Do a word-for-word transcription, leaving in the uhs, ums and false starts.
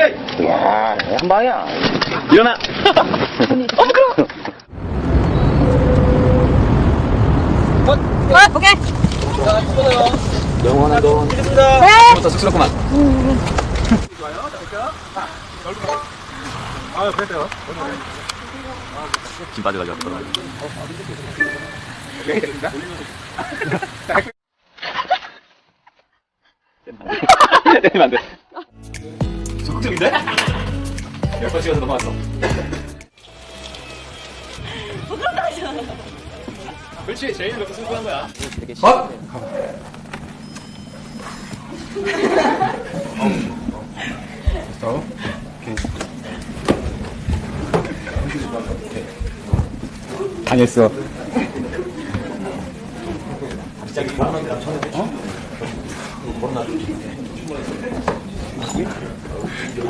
야, 한 방이야. 일어나. 어, 부끄러워. 어, 오케이. 영원한 돈. 네. 부터 쑥스럽구만. 아, 그랬어요. 짐 빠져가지고. 때리면 안 돼. 적극적인데? 열 번 찍어서 넘어갔어. 부끄럽다 하잖아. 그렇지, 제일 몇번 승부한 거야. 되게 아! 됐어. 오케이. 당했어. 어?